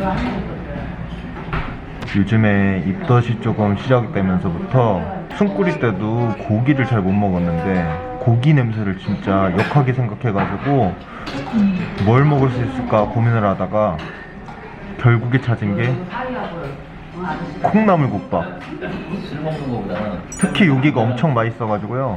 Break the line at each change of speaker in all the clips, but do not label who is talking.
요즘에 입덧이 조금 시작되면서부터 숨 꾸릴 때도 고기를 잘 못 먹었는데 고기 냄새를 진짜 역하게 생각해가지고 뭘 먹을 수 있을까 고민을 하다가 결국에 찾은 게 콩나물국밥. 특히 여기가 엄청 맛있어가지고요,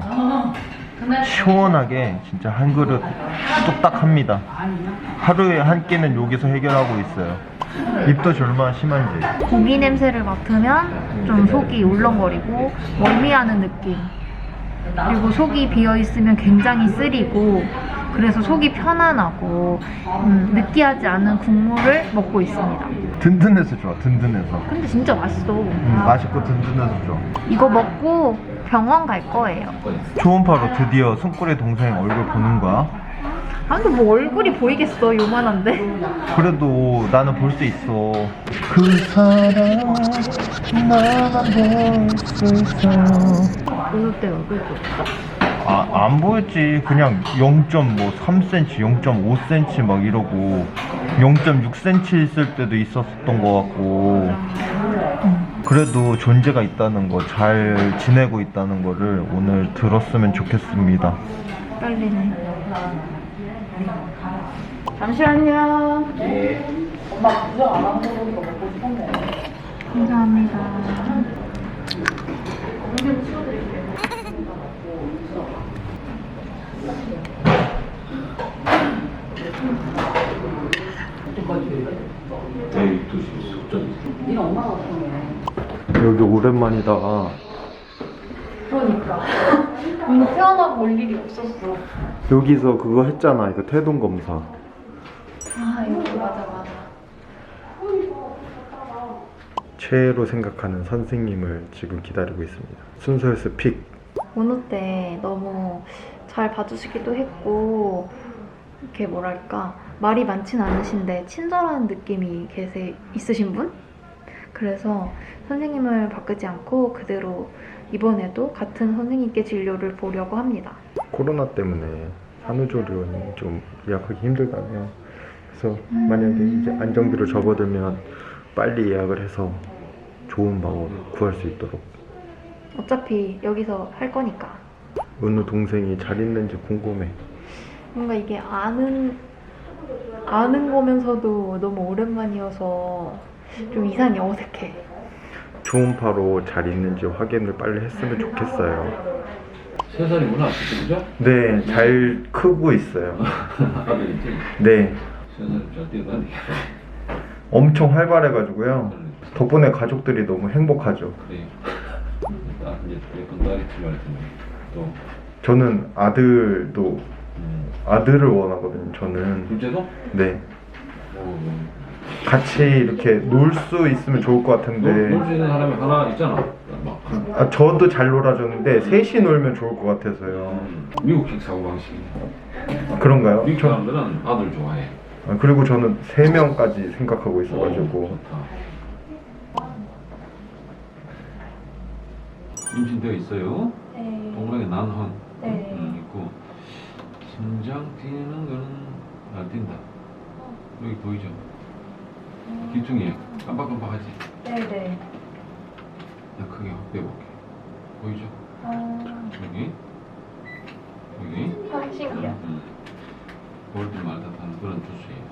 시원하게 진짜 한 그릇 뚝딱 합니다. 하루에 한 끼는 여기서 해결하고 있어요. 입덧이 얼마나 심한지.
고기 냄새를 맡으면 좀 속이 울렁거리고 멀미하는 느낌, 그리고 속이 비어있으면 굉장히 쓰리고, 그래서 속이 편안하고 느끼하지 않은 국물을 먹고 있습니다.
든든해서 좋아, 든든해서.
근데 진짜 맛있어.
맛있고 든든해서 좋아.
이거 먹고 병원 갈 거예요.
초음파로 드디어 숨꾸리 동생 얼굴 보는 거야.
아, 근데 뭐 얼굴이 보이겠어, 요만한데.
그래도 나는 볼 수 있어. 그 사람 나만 볼 수 있어.
어때, 얼굴도?
안 보였지. 그냥 0.3cm, 0.5cm 막 이러고 0.6cm 있을 때도 있었던 것 같고. 그래도 존재가 있다는 거, 잘 지내고 있다는 거를 오늘 들었으면 좋겠습니다.
떨리네. 잠시만요. 엄마 부정 안 하는 거 보니까 먹고 싶었네. 감사합니다.
여기 오랜만이다.
그러니까. 태어나고 올 일이 없었어.
여기서 그거 했잖아, 이거 태동 검사.
아, 여기 맞아.
최애로 생각하는 선생님을 지금 기다리고 있습니다. 순서에서 픽.
오늘 때 너무 잘 봐주시기도 했고, 이렇게 뭐랄까, 말이 많진 않으신데 친절한 느낌이 있으신 분? 그래서 선생님을 바꾸지 않고 그대로 이번에도 같은 선생님께 진료를 보려고 합니다.
코로나 때문에 산후조리원이 좀 예약하기 힘들다네요. 그래서 만약에 이제 안정기로 접어들면 빨리 예약을 해서 좋은 방을 구할 수 있도록.
어차피 여기서 할 거니까.
은우 동생이 잘 있는지 궁금해.
뭔가 이게 아는 거면서도 너무 오랜만이어서 좀 이상히 어색해.
초음파로 잘 있는지 확인을 빨리 했으면 좋겠어요.
3살이구나, 그죠?
네, 잘 크고 있어요.
아들이지?
네,
3살 잘 뛰어다니.
엄청 활발해가지고요. 덕분에 가족들이 너무 행복하죠.
그래. 이제 예쁜 딸이 필요할 텐데. 또.
저는 아들도 아들을 원하거든요. 저는.
둘째도?
네.
오,
같이 이렇게 놀 수 있으면 좋을 것 같은데.
놀 수 있는 사람이 하나 있잖아. 막.
저도 잘 놀아줬는데 셋이 놀면 좋을 것 같아서요.
미국식 사고방식.
그런가요?
미국 사람들은 아들 좋아해.
그리고 저는 3명까지 생각하고 있어가지고.
좋다. 임신되어 있어요?
네.
동그랗게 난헌
네.
있고, 심장 뛰는 거는 안 뛴다. 여기 보이죠? 기둥이 깜빡깜빡하지?
네네.
나 크게 확 빼볼게. 보이죠? 여기
신기해.
볼 때마다 하는 그런 주스예요.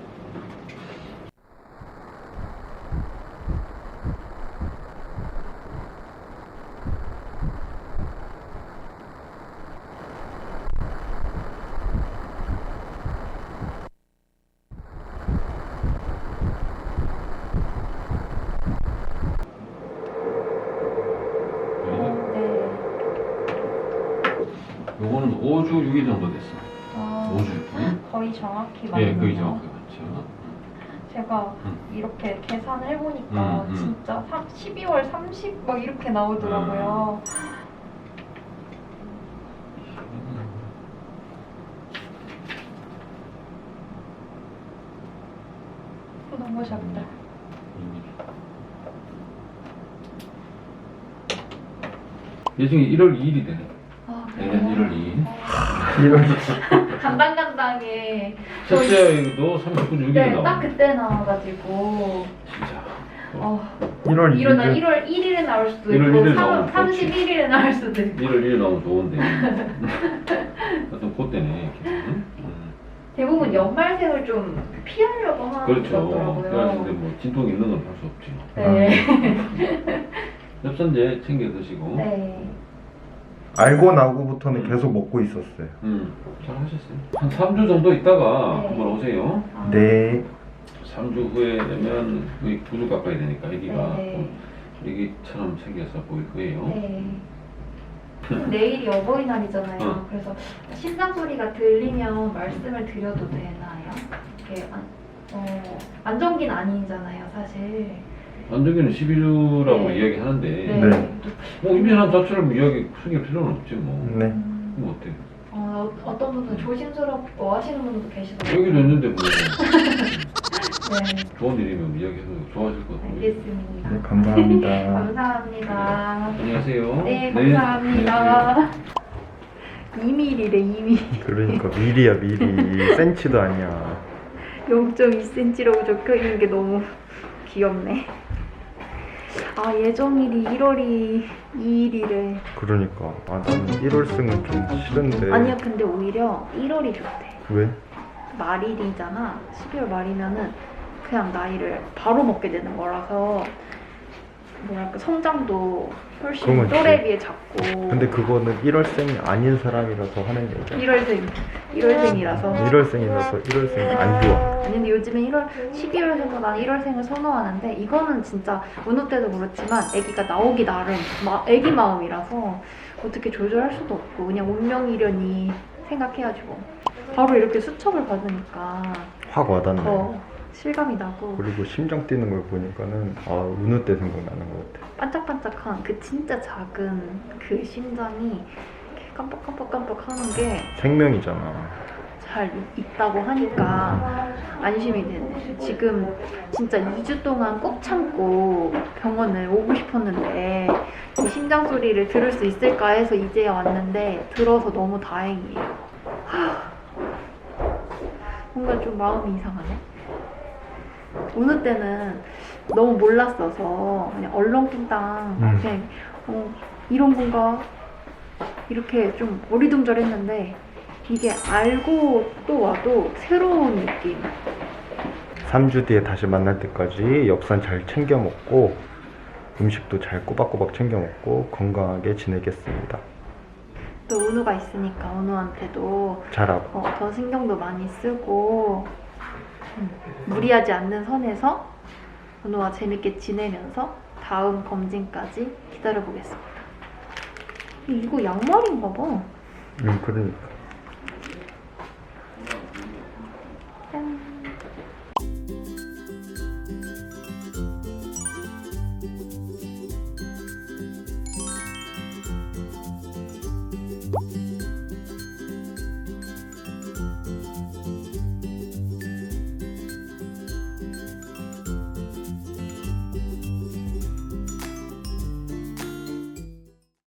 요거는 5주 6일 정도 됐어. 5주. 응?
거의 정확히 맞네요.
예, 거의 정확히 맞죠.
제가 이렇게 계산을 해보니까 진짜 12월 30 막 이렇게 나오더라고요. 너무 작다.
예정이 1월 2일이 되네.
아,
내년 1월 2일.
이런
간당간당해.
첫째도 39주 6일이
네,
나와.
딱 그때 나와가지고.
진짜.
어,
1월
이러나
2일
1월 1일에 나올 수도
1월
있고
1일 나오면 좋지.
31일에 나올 수도 있고
1월 1일 나오면 좋은데. 하여튼 그때네. 응?
대부분 연말생을 좀 피하려고 하는 것
그렇죠.
같더라고요.
그래가지고 뭐 진통 있는 건 할 수 없지.
네.
엽산제 챙겨 드시고.
네.
알고 나고부터는 계속 먹고 있었어요.
잘 하셨어요. 한 3주 정도 있다가
네.
한번 오세요.
아,
네.
3주 후에 되면 거의 9주 가까이 되니까 아기가
네.
애기처럼 생겨서 보일 거예요.
네. 내일이 어버이날이잖아요.
응.
그래서 심장 소리가 들리면 말씀을 드려도 되나요? 이게 안정기는 아니잖아요, 사실.
안정기는 12주라고
네.
이야기하는데
네.
뭐 임신한 자체를 뭐 이야기 숨길 필요는 없지 뭐.
네.
뭐 어때?
어떤 분은 조심스럽고 하시는 분도 계시더라고요.
여기도 있는데 뭐
네,
좋은 일이면 이야기해서 좋아하실 것 같아요.
알겠습니다.
네, 감사합니다.
감사합니다.
안녕하세요.
네, 감사합니다. 2mm래, 2mm.
그러니까 미리야 미리. 센치도 아니야.
0.2cm라고 적혀 있는 게 너무 귀엽네. 아, 예정일이 1월이 2일이래.
그러니까 나는 1월생은 좀 싫은데.
아니야, 근데 오히려 1월이 좋대.
왜?
말일이잖아. 12월 말이면은 그냥 나이를 바로 먹게 되는 거라서 뭐랄까 성장도 훨씬
그건
또래
그치.
비해 작고.
근데 그거는 1월생이 아닌 사람이라서 하는 얘기야.
1월생이라서.
1월생이라서 1월생이 안 좋아.
아니 근데 요즘에 12월생보다 난 1월생을 선호하는데 이거는 진짜 어느 때도 그렇지만 아기가 나오기 나름 아기 마음이라서 어떻게 조절할 수도 없고 그냥 운명이려니 생각해가지고 바로 이렇게 수첩을 받으니까
확 와닿네.
더 실감이 나고
그리고 심장 뛰는 걸 보니까는 어느 때 생각나는 것 같아.
반짝반짝한 그 진짜 작은 그 심장이 이렇게 깜빡깜빡깜빡 하는 게
생명이잖아.
잘 있다고 하니까 안심이 되네. 지금 진짜 2주 동안 꼭 참고 병원을 오고 싶었는데 이 심장 소리를 들을 수 있을까 해서 이제야 왔는데 들어서 너무 다행이에요. 뭔가 좀 마음이 이상하네. 어느 때는 너무 몰랐어서 그냥 얼렁뚱땅 그냥 이런 건가 이렇게 좀 어리둥절했는데 이게 알고 또 와도 새로운 느낌.
3주 뒤에 다시 만날 때까지 엽산 잘 챙겨 먹고 음식도 잘 꼬박꼬박 챙겨 먹고 건강하게 지내겠습니다.
또 은우가 있으니까 은우한테도
잘하고.
더 신경도 많이 쓰고 무리하지 않는 선에서 은우와 재밌게 지내면서 다음 검진까지 기다려보겠습니다. 이거 양말인가 봐.
그러니까.